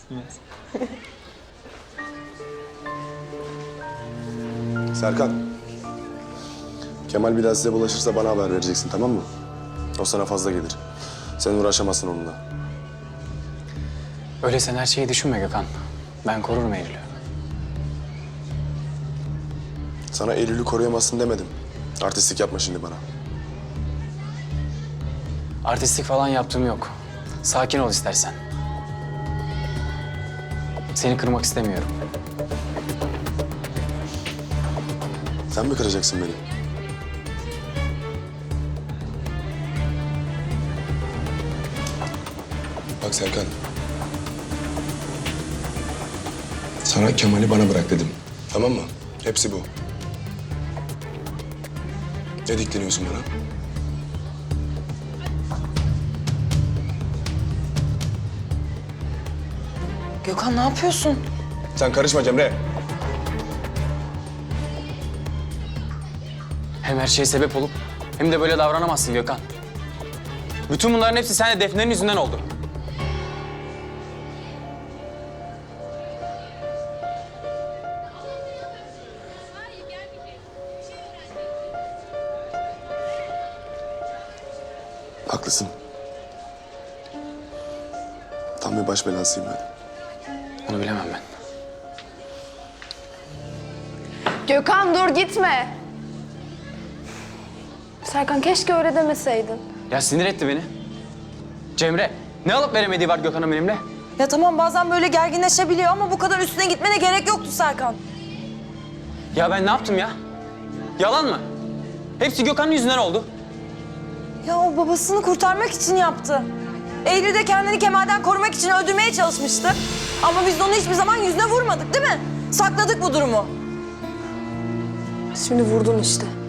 Serkan. Kemal bir daha size bulaşırsa bana haber vereceksin, tamam mı? O sana fazla gelir. Sen uğraşamazsın onunla. Öyle sen her şeyi düşünme Gökhan. Ben korurum Eylül'ü. Sana Eylül'ü koruyamazsın demedim. Artistlik yapma şimdi bana. Artistlik falan yaptığım yok. Sakin ol istersen. Seni kırmak istemiyorum. Sen mi kıracaksın beni? Bak Serkan. Sana Kemal'i bana bırak dedim. Tamam mı? Hepsi bu. Ne dikleniyorsun bana? Gökhan ne yapıyorsun? Sen karışma Cemre. Hem her şeye sebep olup hem de böyle davranamazsın Gökhan. Bütün bunların hepsi seninle Defne'nin yüzünden oldu. Haklısın. Tam bir baş belasıyım ben. Onu bilemem ben. Gökhan dur gitme. Serkan keşke öyle demeseydin. Ya sinir etti beni. Cemre, ne alıp veremediği var Gökhan'ın benimle? Ya tamam bazen böyle gerginleşebiliyor ama bu kadar üstüne gitmene gerek yoktu Serkan. Ya ben ne yaptım ya? Yalan mı? Hepsi Gökhan'ın yüzünden oldu. Ya o babasını kurtarmak için yaptı. Eylül de kendini Kemal'den korumak için öldürmeye çalışmıştı. Ama biz de onu hiçbir zaman yüzüne vurmadık değil mi? Sakladık bu durumu. Şimdi vurdun işte.